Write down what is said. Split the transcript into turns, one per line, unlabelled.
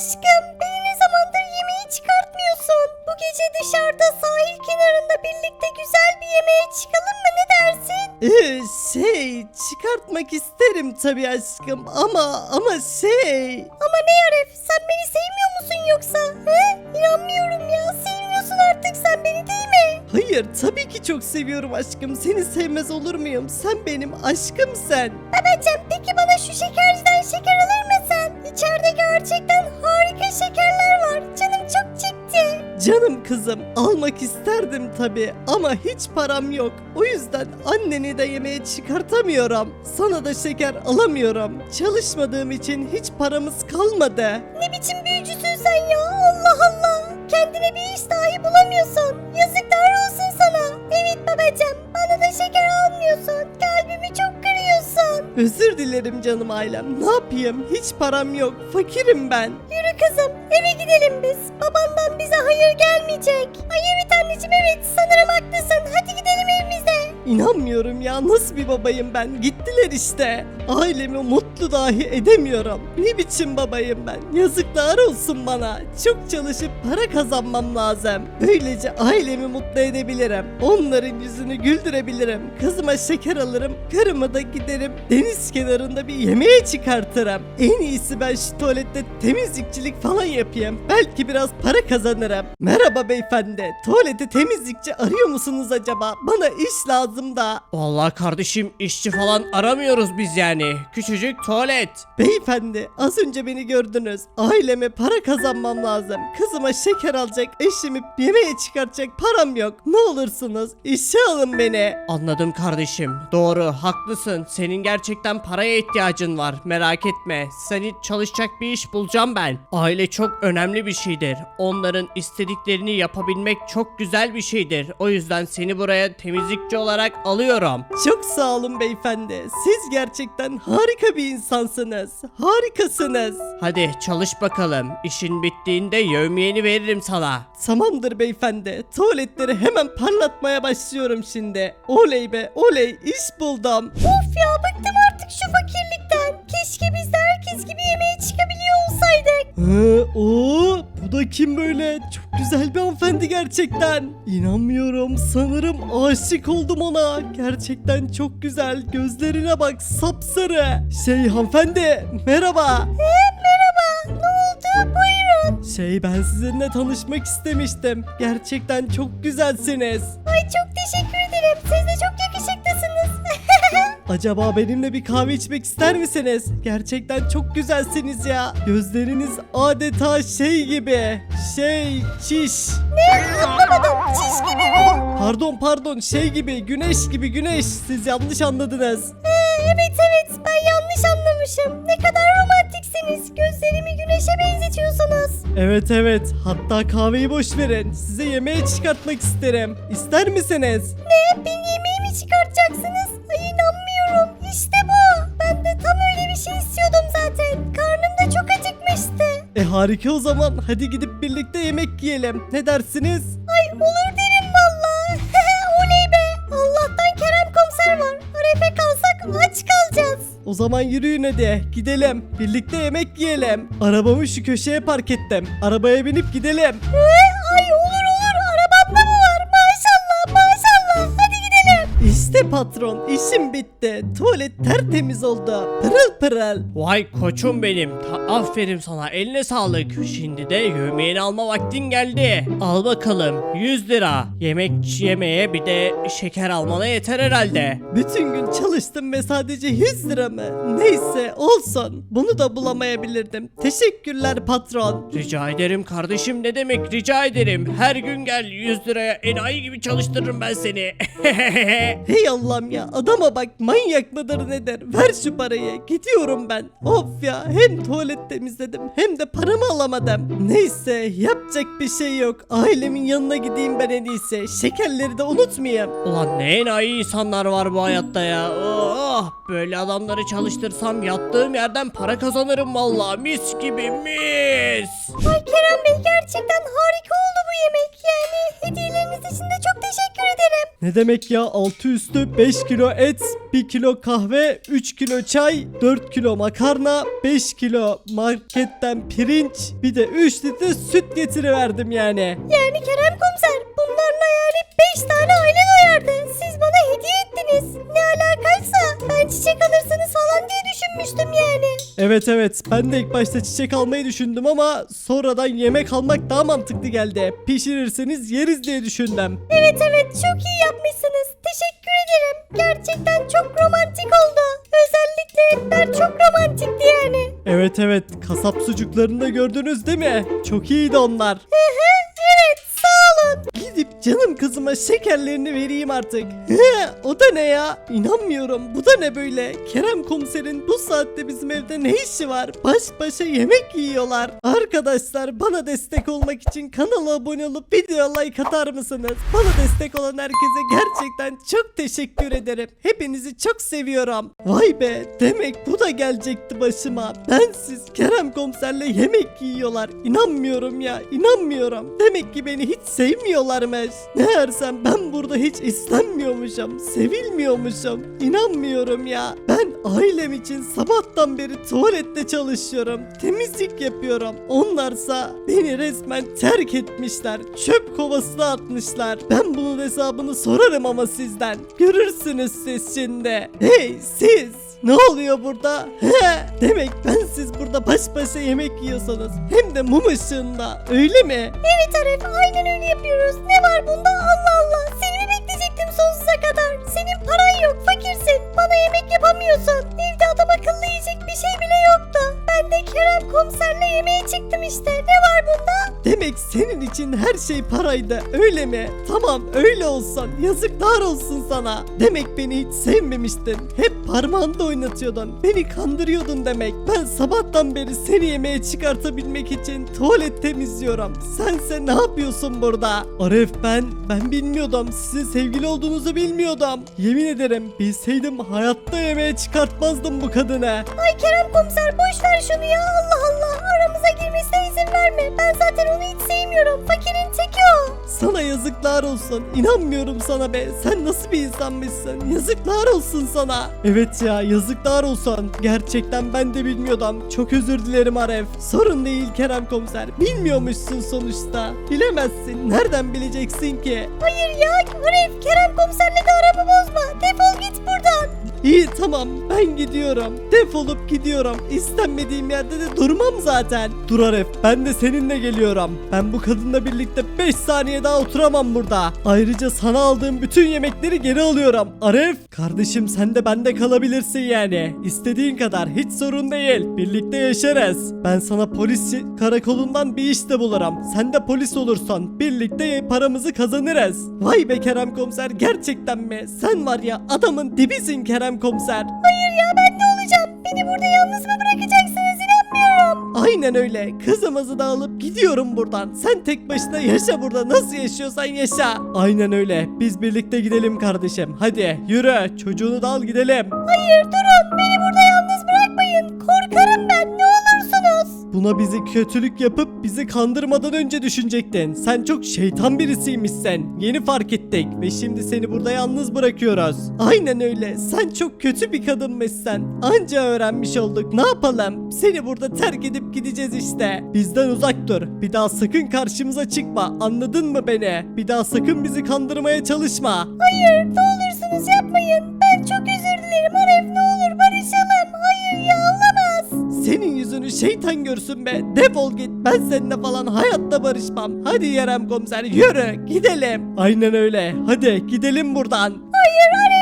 Aşkım beni ne zamandır yemeğe çıkartmıyorsun? Bu gece dışarıda sahil kenarında birlikte güzel bir yemeğe çıkalım mı, ne dersin?
Çıkartmak isterim tabii aşkım ama
Ama ne Arif, sen beni sevmiyor musun yoksa? He? İnanmıyorum ya, sevmiyorsun artık sen beni, değil mi?
Hayır, tabii ki çok seviyorum aşkım. Seni sevmez olur muyum? Sen benim aşkımsın.
Babacım peki bana şu şekerciden şeker alır mısın? İçeride gerçekten harika şekerler var. Canım çok çekti.
Canım kızım, almak isterdim tabii ama hiç param yok. O yüzden anneni de yemeğe çıkartamıyorum. Sana da şeker alamıyorum. Çalışmadığım için hiç paramız kalmadı.
Ne biçim büyücüsün sen ya? Allah Allah. Kendine bir iş dahi bulamıyorsun. Yazıklar olsun sana. Evet babacım, bana da şeker almıyorsun. Kalbimi çok kırıyorsun.
Özür dilerim canım ailem. Ne yapayım? Hiç param yok. Fakirim ben.
Yürü kızım, eve gidelim biz. Babandan bize hayır gelmeyecek. Ay evet anneciğim, evet sanırım haklısın. Hadi gidelim evimize.
İnanmıyorum ya, nasıl bir babayım ben. Gittiler işte. Ailemi mutlu dahi edemiyorum. Ne biçim babayım ben. Yazıklar olsun bana. Çok çalışıp para kazanmam lazım. Böylece ailemi mutlu edebilirim. Onların yüzünü güldürebilirim. Kızıma şeker alırım. Karıma da giderim deniz kenarında bir yemeğe çıkartırım. En iyisi ben şu tuvalette temizlikçilik falan yapayım. Belki biraz para kazanırım. Merhaba beyefendi. Tuvalete temizlikçi arıyor musunuz acaba? Bana iş lazım da.
Vallahi kardeşim, işçi falan aramıyoruz biz yani. Küçücük tuvalet.
Beyefendi, az önce beni gördünüz. Aileme para kazanmam lazım. Kızıma şeker alacak, eşimi yemeğe çıkartacak param yok. Ne olursunuz işe alın beni.
Anladım kardeşim. Doğru, haklısın. Senin gerçekten paraya ihtiyacın var. Merak etme. Seni çalışacak bir iş bulacağım ben. Aile çok önemli bir şeydir. Onların istediklerini yapabilmek çok güzel bir şeydir. O yüzden seni buraya temizlikçi olarak alıyorum.
Çok sağ olun beyefendi. Siz gerçekten harika bir insansınız. Harikasınız.
Hadi çalış bakalım. İşin bittiğinde yevmiyeni veririm sana.
Tamamdır beyefendi. Tuvaletleri hemen parlatmaya başlıyorum şimdi. Oley be oley, iş buldum.
Of ya, bıktım artık şu fakirlikten. Keşke biz de herkes gibi yemeğe çıkabiliyor olsaydık.
Bu da kim böyle? Çok güzel bir hanımefendi gerçekten. İnanmıyorum, sanırım aşık oldum ona. Gerçekten çok güzel. Gözlerine bak, sapsarı. Hanımefendi, merhaba.
Merhaba, ne oldu? Buyurun.
Ben sizinle tanışmak istemiştim. Gerçekten çok güzelsiniz.
Ay çok teşekkür ederim. Siz de çok yakışıklısınız.
Acaba benimle bir kahve içmek ister misiniz? Gerçekten çok güzelsiniz ya. Gözleriniz adeta gibi. Çiş.
Anlamadım. Çiş gibi mi?
Pardon, gibi, güneş. Siz yanlış anladınız.
Evet, ben yanlış anlamışım. Ne kadar romantiksiniz. Gözlerimi güneşe benzetiyorsunuz.
Evet. Hatta kahveyi boş verin. Size yemeğe çıkartmak isterim. İster misiniz?
Ne? Beni yemeğe mi çıkartacaksınız? Ay inanmıyorum. İşte bu. Ben de tam öyle bir şey istiyordum zaten. Karnım da çok acıkmıştı.
Harika o zaman. Hadi gidip birlikte yemek yiyelim. Ne dersiniz?
Ay olur derim valla. Oley be. Allah'tan Kerem komiser var. Arefe kalsak aç kalacağız.
O zaman yürüyün hadi. Gidelim. Birlikte yemek yiyelim. Arabamı şu köşeye park ettim. Arabaya binip gidelim.
Ay olur. Arabamda mı var? Maşallah. Hadi gidelim.
İşte patron, işim bitti. Tuvalet tertemiz oldu. Pırıl.
Vay koçum benim. Aferin sana, eline sağlık. Şimdi de yemeğini alma vaktin geldi. Al bakalım 100 lira. Yemek yemeye bir de şeker almana yeter herhalde.
Bütün gün çalıştım ve sadece 100 lira mı? Neyse olsun. Bunu da bulamayabilirdim. Teşekkürler patron.
Rica ederim kardeşim, ne demek, rica ederim. Her gün gel, 100 liraya enayi gibi çalıştırırım ben seni.
Hey Allah'ım ya, adama bak, manyak mıdır nedir? Ver şu parayı, gidiyorum ben. Of ya, hem tuvalet temizledim hem de paramı alamadım. Neyse, yapacak bir şey yok. Ailemin yanına gideyim ben en iyisi. Şekerleri de unutmayayım.
Ulan ne enayi insanlar var bu hayatta ya. Oh, böyle adamları çalıştırsam yattığım yerden para kazanırım vallahi, mis gibi mis.
Ay Kerem Bey, gerçekten harika oldu bu yemek. Yani hediyeleriniz için de çok teşekkür ederim.
Ne demek ya, altı üstü 5 kilo et, 1 kilo kahve, 3 kilo çay, 4 kilo makarna, 5 kilo marketten pirinç, bir de 3 litre süt getiriverdim yani.
Yani Kerem komiser, bunlarla yani 5 tane aile doyardı. Siz bana hediye ettiniz. Ne alakaysa ben çiçek alırsınız falan diye düşünmüştüm yani.
Evet, ben de ilk başta çiçek almayı düşündüm ama sonradan yemek almak daha mantıklı geldi. Pişirirseniz yeriz diye düşündüm.
Evet çok iyi yapmışsınız. Teşekkür ederim. Gerçekten çok romantik oldu. Özellikle etler çok romantikti yani.
Evet, kasap sucuklarını da gördünüz değil mi? Çok iyiydi onlar.
Evet sağ olun.
Gidip canım kızıma şekerlerini vereyim artık. O da ne ya? İnanmıyorum. Bu da ne böyle? Kerem komiserin bu saatte bizim evde ne işi var? Baş başa yemek yiyorlar. Arkadaşlar, bana destek olmak için kanala abone olup video like atar mısınız? Bana destek olan herkese gerçekten çok teşekkür ederim. Hepinizi çok seviyorum. Vay be, demek bu da gelecekti başıma. Bensiz Kerem komiserle yemek yiyorlar. İnanmıyorum ya, inanmıyorum. Demek ki beni hiç sevmiyorlarmış. Meğersem ben burada hiç istenmiyormuşum, sevilmiyormuşum. İnanmıyorum ya. Ben ailem için sabahtan beri tuvalette çalışıyorum, temizlik yapıyorum. Onlarsa beni resmen terk etmişler, çöp kovasına atmışlar. Ben bunun hesabını sorarım ama sizden. Görürsünüz siz şimdi. Hey siz! Ne oluyor burada? Demek ben siz burada baş başa yemek yiyorsanız, hem de mum ışığında, öyle mi?
Evet Arif, aynen öyle yapıyoruz. Ne var bunda, Allah Allah. Seni mi bekleyecektim sonsuza kadar? Senin paran yok, fakirsin. Bana yemek yapamıyorsun. Evde adam akıllı yiyecek bir şey bile yoktu. Ben de Kerem komiserle yemeğe çıktım işte. Ne var bunda?
Demek senin için her şey paraydı, öyle mi? Tamam, öyle olsun. Yazıklar olsun sana. Demek beni hiç sevmemiştin. Hep parmağında oynatıyordun. Beni kandırıyordun demek. Ben sabahtan beri seni yemeğe çıkartabilmek için tuvalet temizliyorum. Sense ne yapıyorsun burada? Arif, ben bilmiyordum. Sizin sevgili olduğunuzu bilmiyordum. Yemin ederim, bilseydim hayatta yemeğe çıkartmazdım bu kadını.
Ay Kerem komiser, boş ver şunu ya, Allah Allah. Aramıza girmesine izin verme. Ben zaten onu hiç sevmiyorum. Fakirin teki o.
Sana yazıklar olsun. İnanmıyorum sana be. Sen nasıl bir insanmışsın? Yazıklar olsun sana. Evet ya, yazıklar olsun. Gerçekten ben de bilmiyordum. Çok özür dilerim Arif. Sorun değil Kerem komiser. Bilmiyormuşsun sonuçta. Bilemezsin. Nereden bileceksin ki?
Hayır ya Arif, Kerem komiserle de aramı bozma. Defol git buradan.
İyi tamam, ben gidiyorum. Defolup gidiyorum. İstenmediğim yerde de durmam zaten. Dur Arif, ben de seninle geliyorum. Ben bu kadınla birlikte 5 saniye daha oturamam burada. Ayrıca sana aldığım bütün yemekleri geri alıyorum. Arif, kardeşim sen de bende kalabilirsin yani. İstediğin kadar, hiç sorun değil. Birlikte yaşarız. Ben sana polis karakolundan bir iş de bulurum. Sen de polis olursun. Birlikte paramızı kazanırız. Vay be Kerem komiser, gerçekten mi? Sen var ya, adamın dibisin Kerem komiser.
Hayır ya, ben ne olacağım? Beni burada yalnız mı bırakacaksınız? İnanmıyorum.
Aynen öyle. Kızımızı da alıp gidiyorum buradan. Sen tek başına yaşa burada. Nasıl yaşıyorsan yaşa. Aynen öyle. Biz birlikte gidelim kardeşim. Hadi yürü. Çocuğunu da al gidelim.
Hayır durun, beni burada yalnız bırakmayın. Korkarım ben, ne olursunuz.
Buna bizi kötülük yapıp bizi kandırmadan önce düşünecektin. Sen çok şeytan birisiymişsin. Yeni fark ettik ve şimdi seni burada yalnız bırakıyoruz. Aynen öyle. Sen çok kötü bir kadınmışsın. Anca öğrenmiş olduk. Ne yapalım? Seni burada terk edip gideceğiz işte. Bizden uzak dur. Bir daha sakın karşımıza çıkma. Anladın mı beni? Bir daha sakın bizi kandırmaya çalışma.
Hayır, ne olursunuz yapmayın. Ben çok özür dilerim Arif, ne olur barışalım. Hayır ya, olamaz.
Senin yüzünü şeytan görsün be. Defol git. Ben seninle falan hayatta barışmam. Hadi Kerem komiser, yürü gidelim. Aynen öyle. Hadi gidelim buradan.
Hayır Arif.